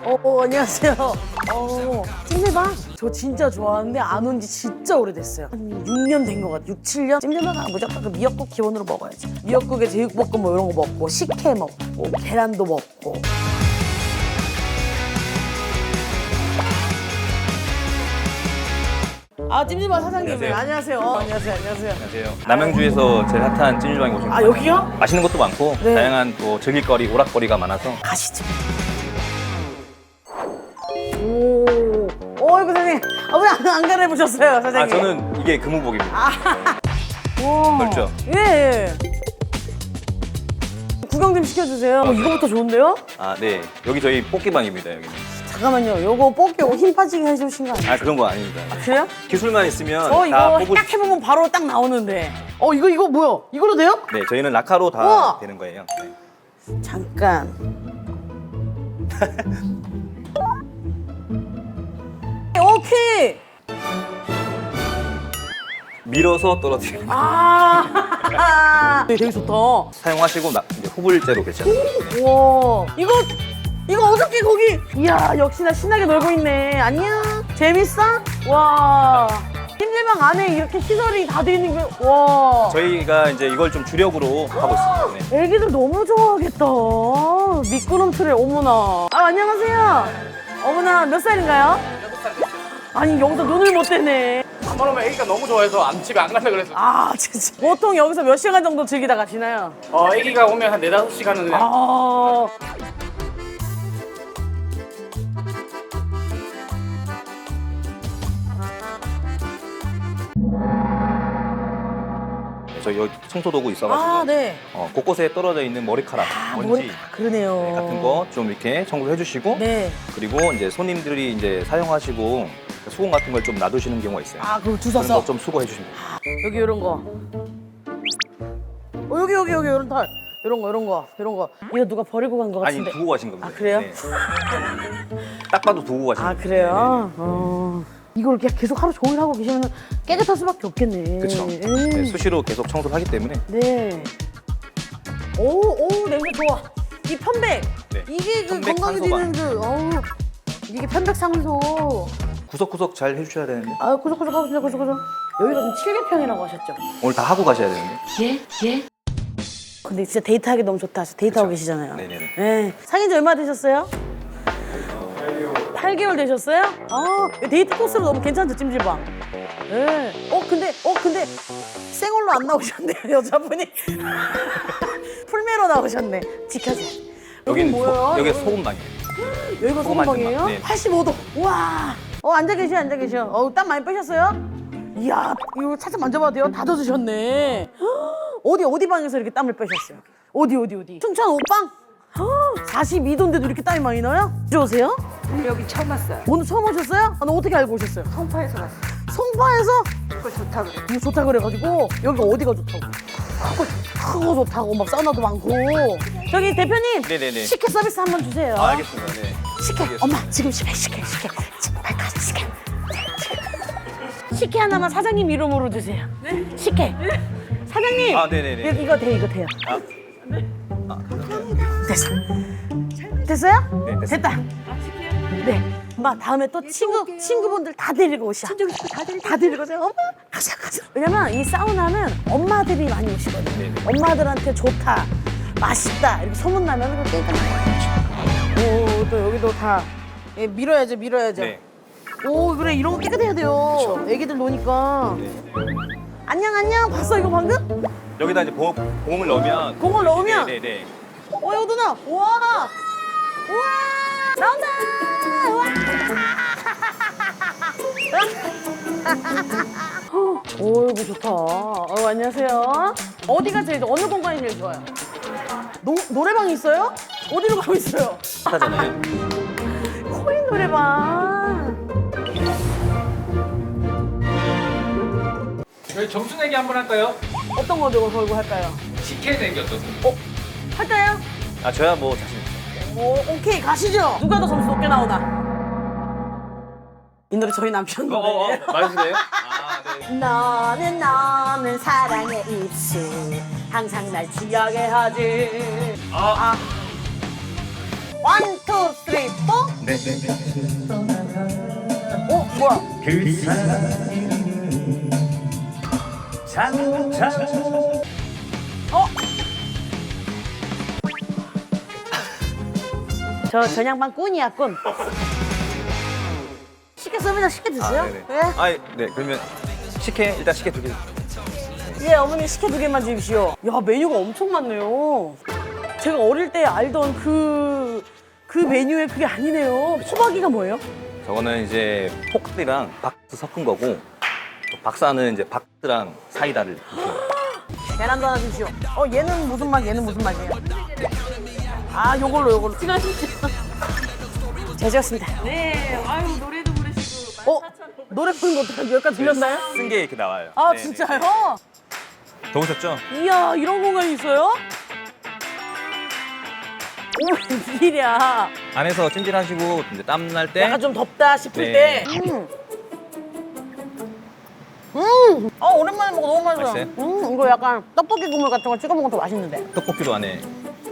안녕하세요. 찜질방? 저 진짜 좋아하는데 안 온 지 진짜 오래됐어요. 한 6년 된 것 같아요. 6, 7년? 찜질방 가면 무조건 그 미역국 기본으로 먹어야지. 미역국에 제육볶음 뭐 이런 거 먹고, 식혜 먹고, 계란도 먹고. 찜질방 사장님. 안녕하세요. 안녕하세요. 안녕하세요. 안녕하세요. 남양주에서 제일 핫한 찜질방에 오신 거예요. 여기요? 맛있는 것도 많고 네. 다양한 또 즐길거리, 오락거리가 많아서 가시죠. 어이구, 사장님. 왜 안 갈아입으셨어요, 사장님? 저는 이게 금우복입니다. 우와. 넓죠? 예. 구경 좀 시켜주세요. 이거부터 좋은데요? 네. 여기 저희 뽑기방입니다. 여기는. 잠깐만요. 요거 뽑기 힘 빠지게 해주신 거 아니에요? 그런 거 아닙니다. 그래요? 기술만 있으면 저 다 이거 뽑을 딱 해보면 바로 딱 나오는데. 이거 뭐야? 이걸로 돼요? 네, 저희는 라카로 다 우와. 되는 거예요. 네. 잠깐. 오케이. 밀어서 떨어뜨리는 거. 되게 좋다. 사용하시고 이제 후불제로 배치하는 거예요. 우와. 이거 어저께 거기. 이야, 역시나 신나게 놀고 있네. 안녕. 재밌어? 와. 찜질방 안에 이렇게 시설이 다 돼 있는 게, 와. 저희가 이제 이걸 좀 주력으로 하고 있습니다. 네. 애기들 너무 좋아하겠다. 미끄럼틀에, 어머나. 안녕하세요. 어머나, 몇 살인가요? 6살 됐어요. 아니, 여기서 눈을 못 떼네. 한번 오면 애기가 너무 좋아해서 집에 안 갈라 그래서. 진짜. 보통 여기서 몇 시간 정도 즐기다 가시나요? 애기가 오면 한 4-5시간은 그냥. 저희 여기 청소도구 있어가지고 네. 곳곳에 떨어져 있는 머리카락, 먼지 그러네요. 같은 거 좀 이렇게 청소해 주시고 네. 그리고 이제 손님들이 이제 사용하시고 수건 같은 걸 좀 놔두시는 경우가 있어요. 그거 그런 주워서. 거 좀 수거해 주시면 돼요. 여기 이런 거. 여기 이런 털. 이런 거. 이거 누가 버리고 간 거 아니 같은데. 두고 가신 겁니다. 그래요? 네. 딱 봐도 두고 가신 겁니다. 그래요? 이걸 그냥 계속 하루 종일 하고 계시면 깨끗할 수밖에 없겠네. 그렇죠. 네, 수시로 계속 청소를 하기 때문에 네. 오, 냄새 좋아. 이 편백. 네. 이게 그 편백 건강에 산소가. 드는 이게 편백 상소. 구석구석 잘 해주셔야 되는데 구석구석 하고 있습니다, 구석구석. 여기가 지금 7개평이라고 하셨죠? 오늘 다 하고 가셔야 되는데. 예. 근데 진짜 데이트하기 너무 좋다. 데이트하고 그쵸. 계시잖아요. 네네네. 네. 사귄 지 얼마 되셨어요? 8개월 되셨어요? 데이트 코스로 너무 괜찮죠, 찜질방? 네. 근데 생얼로 안 나오셨네요, 여자분이. 풀메로 나오셨네. 지켜줘. 여긴 뭐예요? 여기 소금방이에요. 여기가 소금 소금방이에요? 만든 방. 네. 85도. 우와. 앉아 계셔. 땀 많이 빼셨어요? 이야, 이거 살짝 만져봐도 돼요? 다 젖으셨네. 어디 방에서 이렇게 땀을 빼셨어요? 어디? 춘천 옷방? 42도인데도 이렇게 땀이 많이 나요? 좋으세요? 여기 처음 왔어요. 오늘 처음 오셨어요? 어떻게 알고 오셨어요? 송파에서 왔어요. 송파에서? 이거 좋다 그래. 이거 좋다 그래가지고 여기가 어디가 좋다고? 크고 좋다고 막 사우나도 많고. 저기 대표님, 네네네. 식혜 서비스 한번 주세요. 알겠습니다. 네. 식혜. 엄마 지금 식혜. 지금 발까지 식혜. 식혜 하나만 사장님 이름으로 주세요. 네? 식혜. 사장님. 네네네. 이거 돼요. 됐어. 됐어요? 네, 됐습니다. 됐다. 네. 엄마 다음에 또 친구분들 다 데리고 오셔. 다 데리고 오세요. 엄마 가자. 왜냐면 이 사우나는 엄마들이 많이 오시거든요. 네네. 엄마들한테 좋다, 맛있다 이렇게 소문 나면 또 깨끗하게. 또 여기도 다 밀어야죠. 네. 오, 그래 이런 거 깨끗해야 돼요. 애기들 노니까. 안녕. 봤어 이거 방금? 여기다 이제 봉을 넣으면. 공을 넣으면? 네네. 여기도 나. 우와. 나온다. 우와. 오, 여기 좋다. 안녕하세요. 어디가 제일 어느 공간이 제일 좋아요? 노래방이 있어요? 어디로 가고 있어요? 하잖아요. 코인 노래방. 저희 점수 내기 한번 할까요? 어떤 거 걸고 할까요? 식혜 내기 어떠세요? 할까요? 저야 뭐 자신 있어요. 오케이 가시죠. 누가 더 점수 높게 나오나? 이 노래 저희 남편 노래. 맞으세요? 네. 너는 사랑의 입술 항상 날 취하게 하지. 원, 투, 쓰리, 포. 어 뭐야? 저 전양반 꾼이야 꾼. 쉽게 씁니다. 쉽게 드세요. 네네. 네. 네. 그러면 식혜 일단 식혜 2개. 예, 어머니 식혜 2개만 주십시오. 야, 메뉴가 엄청 많네요. 제가 어릴 때 알던 그 메뉴에 그게 아니네요. 호박이가 뭐예요? 저거는 이제 포크랑 박스 섞은 거고 또 박사는 이제 박스랑 사이다를 이렇게. 계란도 하나 주십시오. 얘는 무슨 맛, 얘는 무슨 맛이에요? 아, 요걸로. 수고하십시오. 잘 지었습니다. 네, 아유 노래도 부르시고 노래 부르는 거 어떡하지? 여기까지 들렸나요? 쓴 게 이렇게 나와요. 아, 네네. 진짜요? 더우셨죠? 이야, 이런 공간이 있어요? 오, 웬일이야. 안에서 찜질하시고 이제 땀 날 때 약간 좀 덥다 싶을 네. 때. 오랜만에 먹어 너무 맛있어요. 맛있어요? 이거 약간 떡볶이 국물 같은 거 찍어 먹으면 더 맛있는데. 떡볶이도 안에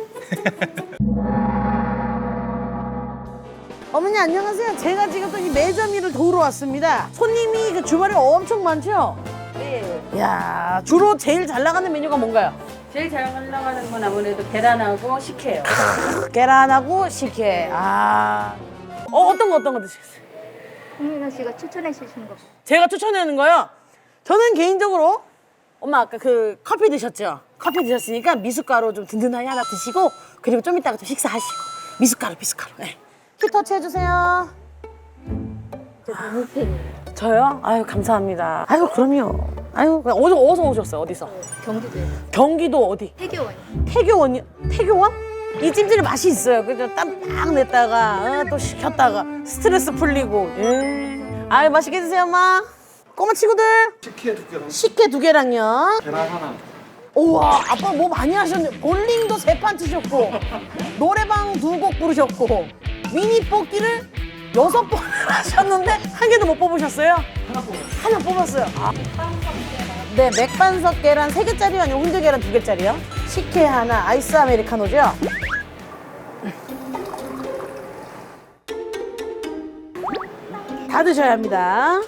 어머니 안녕하세요. 제가 지금 또 이 매점이를 도우러 왔습니다. 손님이 그 주말에 엄청 많죠? 네, 야 주로 제일 잘 나가는 메뉴가 뭔가요? 제일 잘 올라가는 건 아무래도 계란하고 식혜예요. 계란하고 식혜. 어떤 거 드시겠어요? 홍민호 씨가 추천해 주신 거. 제가 추천하는 거요. 저는 개인적으로 엄마 아까 그 커피 드셨죠? 커피 드셨으니까 미숫가루 좀 든든하게 하나 드시고 그리고 좀 이따가 좀 식사하시고 미숫가루. 네. 키터치 해주세요. 저 너무 팬이에요. 저요? 아유 감사합니다. 아유 그럼요. 아유 그냥 어디서 오셨어요? 어디서? 경기도에요. 경기도 어디? 태교원이요. 태교원이요? 태교원? 이 찜질이 맛이 있어요. 그래서 땀 딱 냈다가 또 식혔다가 스트레스 풀리고. 아유 맛있게 드세요 엄마. 꼬마 친구들. 식혜 2개랑요. 계란 하나. 우와 아빠 뭐 많이 하셨네. 볼링도 3판 치셨고 노래방 2곡 부르셨고 미니 뽑기를 6번을 하셨는데 한 개도 못 뽑으셨어요? 하나 뽑았어요. 네, 맥반석 계란 3개짜리요? 아니면 훈제 계란 2개짜리요? 식혜 하나, 아이스 아메리카노죠? 다 드셔야 합니다.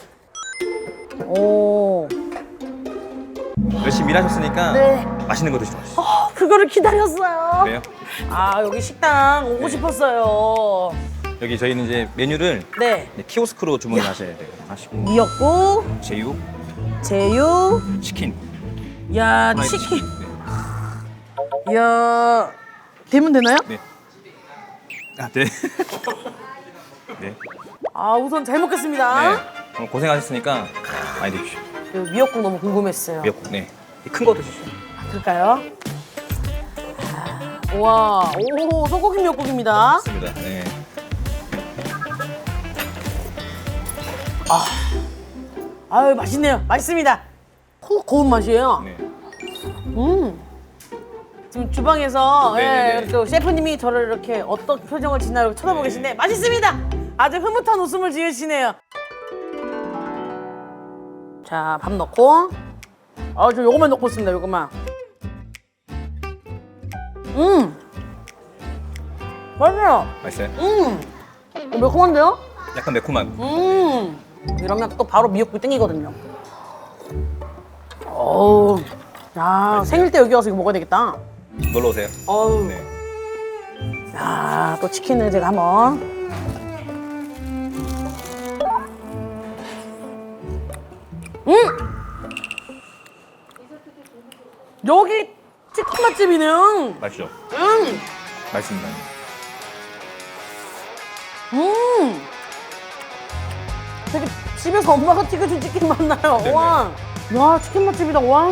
오, 열심히 일하셨으니까 네. 맛있는 거 드시고 가시죠. 그거를 기다렸어요. 그래요? 여기 식당 오고 싶었어요. 여기 저희는 이제 메뉴를 네, 이제 키오스크로 주문을 하셔야 돼요. 하시고 미역국, 제육, 제육, 치킨. 야, 프라이드 치킨. 네. 야, 되면 되나요? 네. 네. 네. 우선 잘 먹겠습니다. 네. 오늘 고생하셨으니까 많이 드십시오. 미역국 너무 궁금했어요. 미역국. 네. 큰 거 드십시오. 그럴까요? 와, 오, 소고기 미역국입니다. 맞습니다. 네. 아유, 맛있네요. 맛있습니다. 콕 고운 맛이에요. 네. 지금 주방에서 네네네. 또 셰프님이 저를 이렇게 어떤 표정을 짓나 이렇게 쳐다보고 계신데 맛있습니다. 아주 흐뭇한 웃음을 지으시네요. 자, 밥 넣고. 저 요거만 넣고 있습니다. 요거만. 맛있어요. 맛있어요? 매콤한데요? 약간 매콤한. 이러면 또 바로 미역국 땡기거든요. 어우, 야 생일 때 여기 와서 이거 먹어야 되겠다. 놀러 오세요. 어우, 네. 야, 또 치킨을 제가 한번. 여기 치킨 맛집이네요. 맛있죠? 음, 맛있습니다. 되게 집에서 엄마가 튀겨준 치킨 맛나요. 네네. 와, 야, 치킨 맛집이다. 와.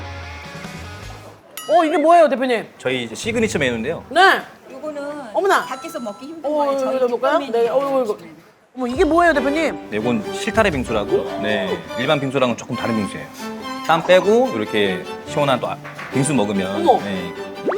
이게 뭐예요, 대표님? 저희 이제 시그니처 메뉴인데요. 네. 이거는 어머나. 밖에서 먹기 힘든 거예요. 저희 이거 볼까요? 기본 네, 이거. 어머, 이게 뭐예요, 대표님? 네, 이건 실타래 빙수라고. 네, 일반 빙수랑은 조금 다른 빙수예요. 땀 빼고 이렇게 시원한 또 빙수 먹으면. 어머. 네.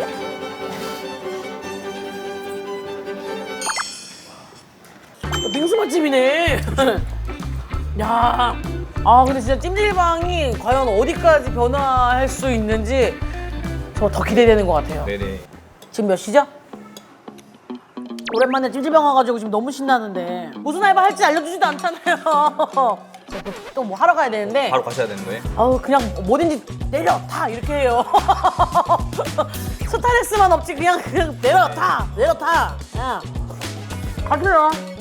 빙수 맛집이네. 야, 근데 진짜 찜질방이 과연 어디까지 변화할 수 있는지 저 더 기대되는 것 같아요. 네네. 지금 몇 시죠? 오랜만에 찜질방 와가지고 지금 너무 신나는데 무슨 알바 할지 알려주지도 않잖아요. 또 뭐 하러 가야 되는데 바로 가셔야 되는 거예요? 아우 그냥 뭐든지 내려 타 이렇게 해요. 스트레스만 없지 그냥 내려 타 그냥 가세요.